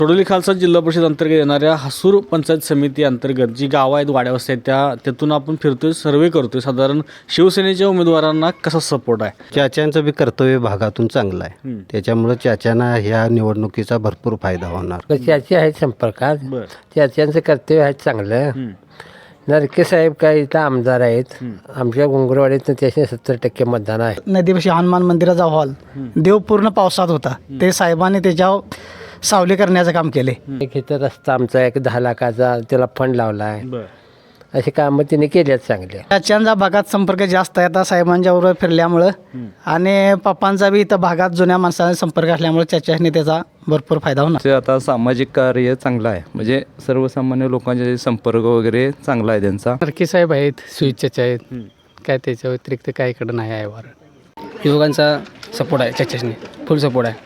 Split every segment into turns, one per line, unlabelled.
सोडोली खालसा जिल्हा परिषद अंतर्गत येणाऱ्या हसूर पंचायत समिती अंतर्गत जी गावं आहेत वाड्यावस्ती आहेत त्यातून आपण फिरतोय, सर्वे करतोय. साधारण शिवसेनेच्या उमेदवारांना कसा सपोर्ट आहे?
चाच्यांचं बी कर्तव्य भागातून चांगलं आहे. त्याच्यामुळं चाच्यांना ह्या निवडणुकीचा भरपूर फायदा होणार.
चाची आहेत संपर्कात.
बरं.
चाच्यांचं कर्तव्य आहे चांगलं. नरके साहेब काय इथं आमदार आहेत. आमच्या गुंगरवाडीत त्याचे 70% मतदान आहे.
नदीपाशी हनुमान मंदिराचा हॉल देव पूर्ण पावसात होता. ते साहेबांनी त्याच्यावर सावली करण्याचं काम केले.
एक इथं रस्ता आमचा एक 10 लाखाचा त्याला फंड लावला आहे.
बरं.
अशी कामं तिने केली आहेत चांगली.
चाच्यांचा भागात संपर्क जास्त आहे आता साहेबांच्या बरोबर फिरल्यामुळं, आणि पप्पांचा बी इथं भागात जुन्या माणसांचा संपर्क असल्यामुळे चाच्याने त्याचा भरपूर फायदा होणार.
ते आता सामाजिक कार्य चांगलं आहे, म्हणजे सर्वसामान्य लोकांचे संपर्क वगैरे चांगला आहे त्यांचा.
नरके साहेब आहेत, सुईचे आहेत, काय त्याच्या व्यतिरिक्त काय इकडं नाही आहे. वार युवकांचा सपोर्ट आहे, चर्चेसने फुल सपोर्ट आहे.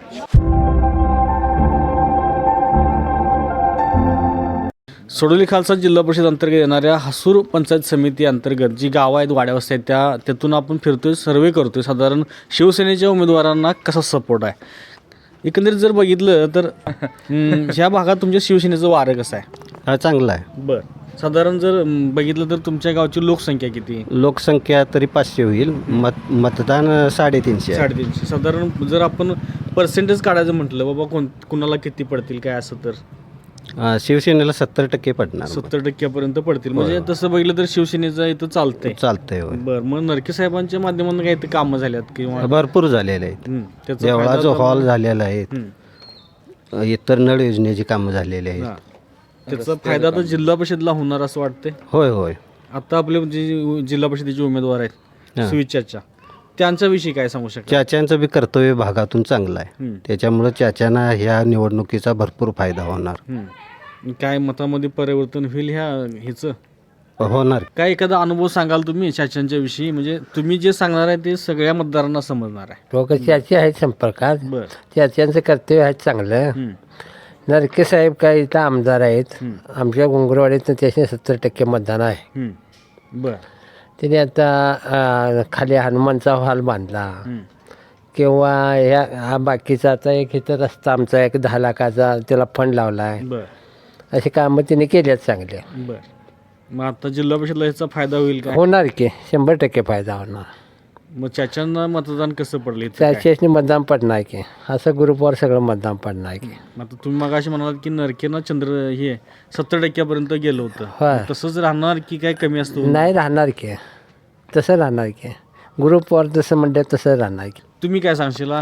सोडोली खालसा जिल्हा परिषद अंतर्गत येणाऱ्या हसूर पंचायत समिती अंतर्गत जी गावं आहेत वाड्यावस्ती आहेत त्यातून आपण फिरतोय, सर्वे करतोय. साधारण शिवसेनेच्या उमेदवारांना कसा सपोर्ट आहे? एकंदरीत जर बघितलं तर ह्या भागात तुमच्या शिवसेनेचं वारं कसं आहे?
हा चांगला आहे.
बरं. साधारण जर बघितलं तर तुमच्या गावची लोकसंख्या किती?
लोकसंख्या तरी 500 होईल. मतदान 350 आहे.
350. साधारण जर आपण पर्सेंटेज काढायचं म्हटलं बाबा कुणाला किती पडतील काय असं तर
शिवसेनेला 70% पडणार.
70% पडतील. म्हणजे तसं बघितलं तर शिवसेनेचं इथं चालतंय.
चालतंय होय.
बरं. मग नरके साहेबांच्या माध्यमातून काही ते कामं झाल्यात किंवा
भरपूर झालेले आहेत.
त्याचा
देवळाचा
फायदा
हॉल झालेला आहे. इतर नळ योजनेची कामं झालेली आहेत.
हां. त्याचा फायदा तर जिल्हा परिषदला होणार असं वाटतंय.
होय होय.
आता आपले जे जिल्हा परिषदेचे उमेदवार आहेत सुविचारच्या, त्यांच्याविषयी काय सांगू शकता?
चाच्यांचं बी कर्तव्य भागातून चांगलं आहे. त्याच्यामुळं चाच्यांना ह्या निवडणुकीचा भरपूर फायदा होणार.
काय मतामध्ये परिवर्तन होईल ह्याचं?
होणार.
काय एखादा अनुभव सांगाल तुम्ही चाच्यांच्या विषयी? म्हणजे तुम्ही जे सांगणार आहे ते सगळ्या मतदारांना समजणार आहे.
लोक चाची आहेत संपर्कात.
बरं.
चाच्यांचं कर्तव्य आहे चांगलं. नरके साहेब काय इथं आमदार आहेत. आमच्या गुंगरवाडीत त्याचे 70% मतदान आहे.
बरं.
त्याने आता खाली हनुमानचा हॉल बांधला किंवा ह्या बाकीचा आता एक इथं रस्ता आमचा एक 10 लाखाचा त्याला फंड लावला आहे.
बरं.
अशी कामं तिने केली आहेत चांगली.
बरं. मग आता जिल्हा परिषदला ह्याचा फायदा होईल का?
होणार की 100% फायदा होणार.
मग चाच्यांना मतदान कसं पडलं इथं काय?
चारशेने मतदान पडणार की असं ग्रुपवर सगळं मतदान पडणार की.
आता तुम्ही मगाशी म्हणालात की नरकेनं 70% गेलं होतं.
होय.
तसंच राहणार की काय कमी असतो?
नाही राहणार की, तसं राहणार की ग्रुपवर जसं म्हणतात तसं राहणार की.
तुम्ही काय सांगशील?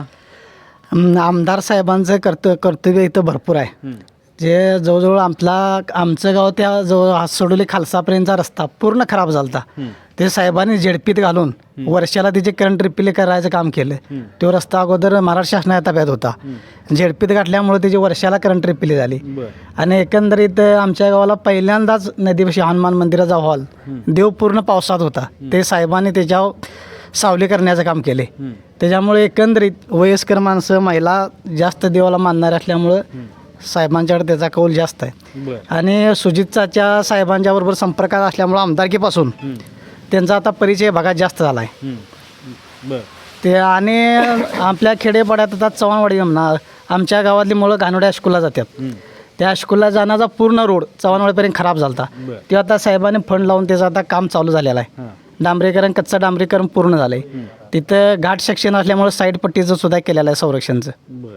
आमदार साहेबांचं कर्तव्य इथं भरपूर आहे. जे जवळजवळ आमचं गाव त्या जवळ सोडोली खालसापर्यंतचा रस्ता पूर्ण खराब झाला. ते साहेबांनी झेडपीत घालून वर्षाला तिचे करंट रिपेअर करायचं काम केलं. तो रस्ता अगोदर महाराष्ट्र शासनाच्या ताब्यात होता. झेडपीत गाठल्यामुळे त्याची वर्षाला करंट रिपेअर झाली. आणि एकंदरीत आमच्या गावाला पहिल्यांदाच नदीपाशी हनुमान मंदिराचा हॉल देव पूर्ण पावसात होता. ते साहेबांनी त्याच्यावर सावली करण्याचं काम केले. त्याच्यामुळे एकंदरीत वयस्कर माणसं महिला जास्त देवाला मानणारे असल्यामुळं साहेबांच्याकडे त्याचा कौल जास्त आहे. आणि सुजितच्या साहेबांच्या बरोबर संपर्कात असल्यामुळं आमदारकीपासून त्यांचा आता परिचय भागात जास्त झाला आहे. ते आणि आपल्या खेडेपाड्यात आता चव्हाणवाडी म्हणा, आमच्या गावातली मुलं घाणोड्या हायस्कूलला जातात. त्या हायस्कूलला जाण्याचा पूर्ण रोड चव्हाणवाडीपर्यंत खराब झाला होता. ते आता साहेबांनी फंड लावून त्याचं आता काम चालू झालेलं आहे. डांबरीकरण, कच्चं डांबरीकरण पूर्ण झालं आहे. तिथं घाट सेक्शन असल्यामुळे साईड पट्टीचं सुद्धा केलेलं आहे संरक्षणचं.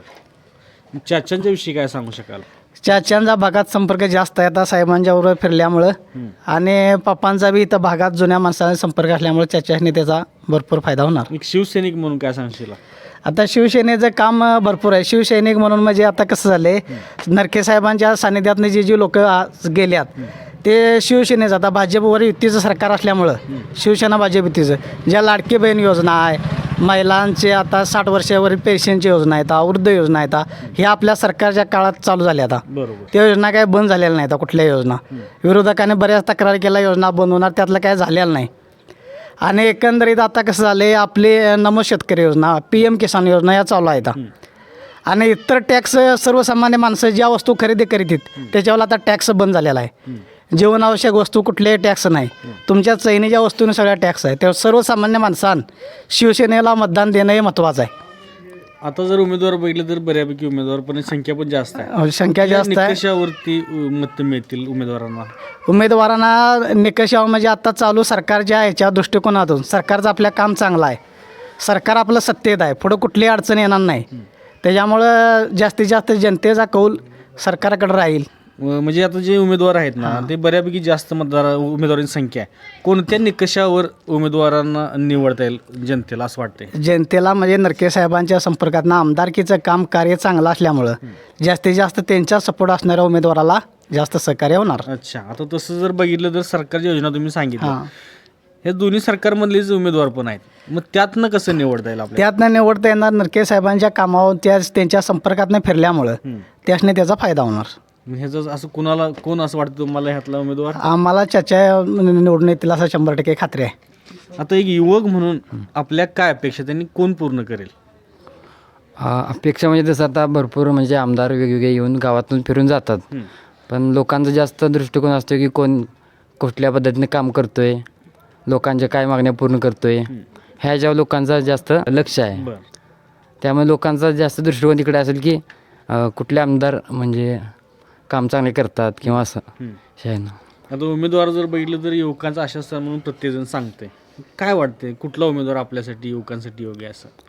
चाच्यांच्या विषयी काय सांगू शकाल?
चाच्यांचा भागात संपर्क जास्त आहे आता साहेबांच्या बरोबर फिरल्यामुळं, आणि पप्पांचा बी इथं भागात जुन्या माणसांचा संपर्क असल्यामुळे चाच्याने त्याचा भरपूर फायदा होणार.
एक शिवसैनिक म्हणून काय सांगशील?
आता शिवसेनेचं काम भरपूर आहे. शिवसैनिक म्हणून म्हणजे आता कसं झालं आहे, नरके साहेबांच्या सानिध्यातनं जे लोक गेल्यात ते शिवसेनेचं, आता भाजपवर युतीचं सरकार असल्यामुळं शिवसेना भाजप युतीचं, ज्या लाडकी बहीण योजना आहे, महिलांचे आता 60 वर्षावरील पेन्शनची योजना आहेत, वृद्ध योजना आहेत, हे आपल्या सरकारच्या काळात चालू झाल्या. आता त्या योजना काय बंद झालेल्या नाहीत. कुठल्या योजना विरोधकाने बऱ्याच तक्रार केल्या योजना बंद होणार, त्यातलं काय झालेलं नाही. आणि एकंदरीत आता कसं झालं आहे, आपले नमो शेतकरी योजना, PM किसान योजना या चालू आहेत. आणि इतर टॅक्स सर्वसामान्य माणसं ज्या वस्तू खरेदी करीत आहेत त्याच्यावर आता टॅक्स बंद झालेला आहे. जीवनावश्यक वस्तू कुठलेही टॅक्स नाही. तुमच्या चैनीच्या वस्तूने सगळ्या टॅक्स आहे. तेव्हा सर्वसामान्य माणसांना शिवसेनेला मतदान देणं हे महत्त्वाचं आहे.
आता जर उमेदवार बघितले तर बऱ्यापैकी उमेदवार पण संख्या पण जास्त आहे.
संख्या जास्त आहे.
निकषावरती मत मिळतील उमेदवारांना.
उमेदवारांना निकषावर म्हणजे आता चालू सरकारच्या ह्याच्या दृष्टिकोनातून सरकारचं आपलं काम चांगलं आहे. सरकार आपलं सत्तेत आहे, पुढं कुठलीही अडचण येणार नाही. त्याच्यामुळं जास्तीत जास्त जनतेचा कौल सरकारकडे राहील.
म्हणजे आता जे उमेदवार आहेत ना ते बऱ्यापैकी जास्त उमेदवारांची संख्या आहे. कोणत्या निकषावर उमेदवारांना निवडता येईल जनतेला असं वाटतंय?
जनतेला म्हणजे नरके साहेबांच्या संपर्कातनं आमदारकीचं काम कार्य चांगलं असल्यामुळं जास्तीत जास्त त्यांच्या सपोर्ट असणाऱ्या उमेदवाराला जास्त सहकार्य होणार.
अच्छा, आता तसं जर बघितलं तर सरकारची योजना तुम्ही सांगितलं,
हां,
हे दोन्ही सरकारमधलेच उमेदवार पण आहेत. मग त्यातनं कसं निवडता येईल आपल्याला?
त्यातनं निवडता येणार नरके साहेबांच्या कामावर त्यांच्या संपर्कातनं फिरल्यामुळं त्यासने त्याचा फायदा होणार.
ह्याचं असं कोण असं वाटतं तुम्हाला ह्यातला उमेदवार?
आम्हाला चर्चा निवडून येतील असं 100% खात्री आहे.
आता एक युवक म्हणून आपल्या काय अपेक्षा त्यांनी कोण पूर्ण करेल?
अपेक्षा म्हणजे तसं आता भरपूर म्हणजे आमदार वेगवेगळे येऊन गावातून फिरून जातात, पण लोकांचा जास्त दृष्टिकोन असतो की कोण कुठल्या पद्धतीने काम करतोय, लोकांच्या काय मागण्या पूर्ण करतोय, ह्याच्यावर लोकांचा जास्त लक्ष आहे.
बरं.
त्यामुळे लोकांचा जास्त दृष्टिकोन तिकडे असेल की कुठले आमदार म्हणजे काम चांगले करतात किंवा असं हे आहे ना.
आता उमेदवार जर बघितलं तर युवकांचा आशास्थान म्हणून प्रत्येकजण सांगतंय. काय वाटतंय कुठला उमेदवार आपल्यासाठी युवकांसाठी योग्य आहे असं?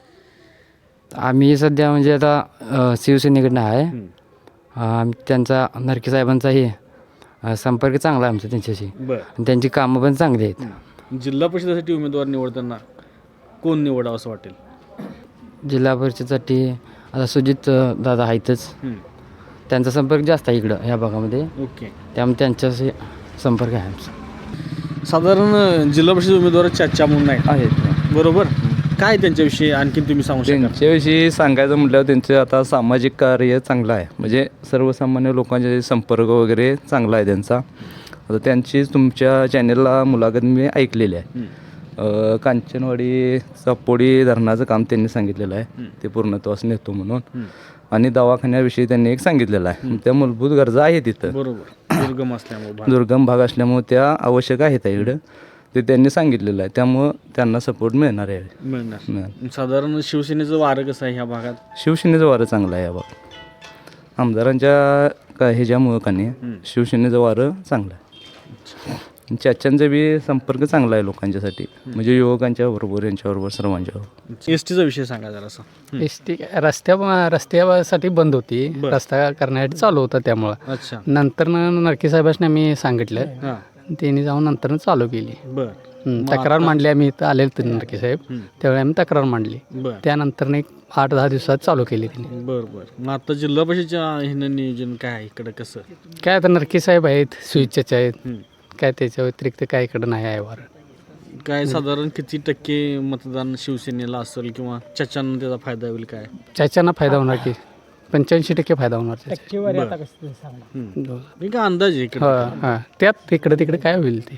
आम्ही सध्या म्हणजे आता शिवसेनेकडनं आहे. त्यांचा नरके साहेबांचाही संपर्क चांगला आहे आमचा त्यांच्याशी.
बरं.
आणि त्यांची कामं पण चांगली आहेत.
जिल्हा परिषदेसाठी उमेदवार निवडताना कोण निवडावं असं वाटेल?
जिल्हा परिषदेसाठी आता सुजित दादा आहेतच, त्यांचा संपर्क जास्त आहे इकडं ह्या भागामध्ये,
ओके.
त्यामुळे त्यांच्याशी संपर्क आहे आमचा.
साधारण जिल्हा परिषद उमेदवार चर्चा म्हणून
आहेत.
बरोबर. काय त्यांच्याविषयी आणखी तुम्ही सांगू शकता?
त्यांच्याविषयी सांगायचं म्हटल्यावर त्यांचं आता सामाजिक कार्य चांगलं आहे, म्हणजे सर्वसामान्य लोकांचे संपर्क वगैरे चांगला आहे त्यांचा. आता त्यांची तुमच्या चॅनेलला मुलाखत मी ऐकलेली आहे. कांचनवाडी चापोडी धरणाचं काम त्यांनी सांगितलेलं आहे, ते पूर्णत्वास नेतो म्हणून. आणि दवाखान्याविषयी त्यांनी एक सांगितलेलं आहे. त्या मूलभूत गरजा आहेत तिथं,
बरोबर. दुर्गम असल्यामुळे
दुर्गम भाग असल्यामुळे त्या आवश्यक आहेत इकडं, ते त्यांनी सांगितलेलं आहे. त्यामुळं त्यांना सपोर्ट मिळणार आहे.
मिळणार. साधारण शिवसेनेचं वारं कसं आहे ह्या भागात?
शिवसेनेचं वारं चांगलं आहे या भागात. आमदारांच्या ह्याच्यामुळं का नाही शिवसेनेचं वारं चांगलं आहे. चाच्यांचा बी संपर्क चांगला आहे लोकांच्यासाठी, म्हणजे युवकांच्या बरोबर यांच्याबरोबर सर्वांच्या बरोबर.
एसटीचा विषय सांगा जरासा.
एसटी रस्त्यासाठी बंद होती, रस्ता करण्यासाठी चालू होता. त्यामुळं
अच्छा.
नंतर नरके साहेबांनी आम्ही सांगितलं,
हां.
त्यांनी जाऊन नंतर चालू केली.
बरं.
तक्रार मांडली. आम्ही इथं आलेलो होतो नरके साहेब, त्यावेळी आम्ही तक्रार मांडली.
बरं.
त्यानंतर एक 8-10 दिवसात चालू केली त्यांनी.
बरं. मग आता जिल्हा परिषदेच्या ह्यानं नियोजन काय आहे इकडं कसं?
काय आता नरके साहेब आहेत, सुविचाचे आहेत, काय त्याच्या व्यतिरिक्त काय इकडं नाही आहे वारं.
काय साधारण किती टक्के मतदान शिवसेनेला असेल किंवा चर्चांना त्याचा फायदा होईल काय?
चाच्यांना फायदा होणार की 85% फायदा होणार त्याचा.
मी काय अंदाज आहे इकडे?
हां, त्यात इकडे तिकडे काय होईल ते.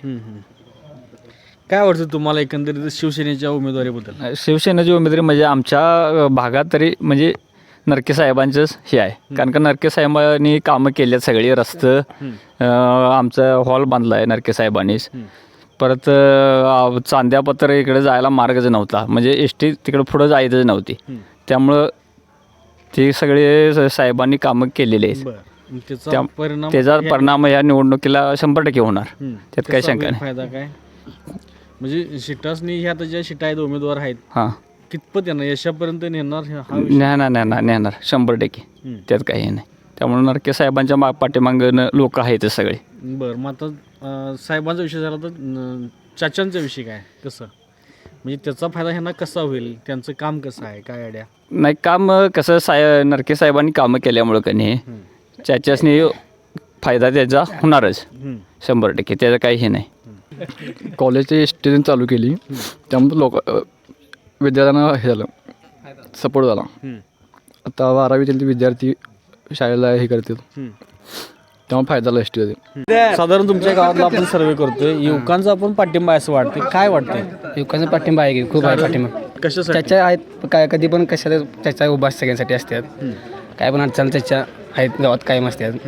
काय वाटतं तुम्हाला एकंदरीत शिवसेनेच्या उमेदवारीबद्दल?
शिवसेनेची उमेदवारी म्हणजे आमच्या भागात तरी म्हणजे नरके साहेबांचंच हे आहे. कारण का नरके साहेबांनी कामं केली आहेत सगळी. रस्तं आमचा हॉल बांधला आहे नरके साहेबांनीच. परत चांद्यापत्र इकडे जायला मार्गच नव्हता, म्हणजे एस टी तिकडे पुढं जायचंच नव्हती. त्यामुळं ते सगळे साहेबांनी कामं केलेली आहेत. त्याचा परिणाम या निवडणुकीला 100% होणार, त्यात काही शंका नाही.
फायदा काय म्हणजे शिटासनी ह्या आता ज्या शिटा आहेत उमेदवार आहेत
हां,
कितपत येणार यशापर्यंत नेणार हा
नेणार 100%, त्यात काही नाही. त्यामुळे नरके साहेबांच्या पाठीमागं लोक आहेत सगळे.
बरं. मग आता साहेबांचा विषय झाला तर चाच्यांचा विषय काय कसं, म्हणजे त्याचा फायदा ह्यांना कसा होईल, त्यांचं काम कसं आहे काय आयडिया?
नाही, काम कसं नरके साहेबांनी कामं केल्यामुळं का नाही चाच्यासनी फायदा त्याचा होणारच 100%, त्याचं काही हे नाही.
कॉलेजची एस टी चालू केली, त्यामुळे विद्यार्थ्यांना हे झालं, सपोर्ट झाला. आता 12वीतील विद्यार्थी शाळेला हे करतील, त्यामुळे फायदा झाला एस टीमध्ये.
साधारण तुमच्या गावातला आपण सर्वे करतोय, युवकांचा आपण पाठिंबा आहे असं वाटतं, काय वाटतंय?
युवकांचा पाठिंबा आहे की खूप आहे पाठिंबा.
कशासाठी?
त्याच्या आहेत काय कधी पण कशाला त्याच्या उभा सगळ्यांसाठी असतात. काय पण अडचण त्याच्या आहेत गावात कायम असतात.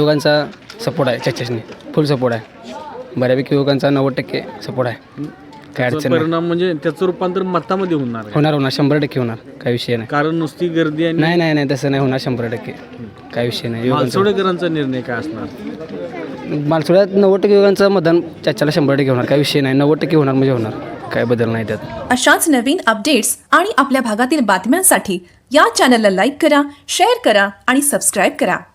युवकांचा सपोर्ट आहे, त्याच्याशी फुल सपोर्ट आहे. बऱ्यापैकी युवकांचा 90% सपोर्ट आहे. काय
त्याचा
अडचण नाही.
परिणाम म्हणजे त्याचं रूपांतर मतामध्ये होणार आहे.
होणार 100% होणार, काय विषय नाही.
कारण नुसती गर्दी आणि
नाही नाही नाही तसं नाही होणार 100%, काय विषय नाही.
मालसोडेकरांचा निर्णय काय असणार?
मालसोड्यात 90% युवकांचं मतदान चाच्याला 100% होणार, काय विषय नाही. 90% होणार म्हणजे होणार, काय बदल नाही त्यात.
अशाच नवीन अपडेट्स आणि आपल्या भागातील बातम्यांसाठी या चॅनलला लाईक करा, शेअर करा आणि सबस्क्राईब करा.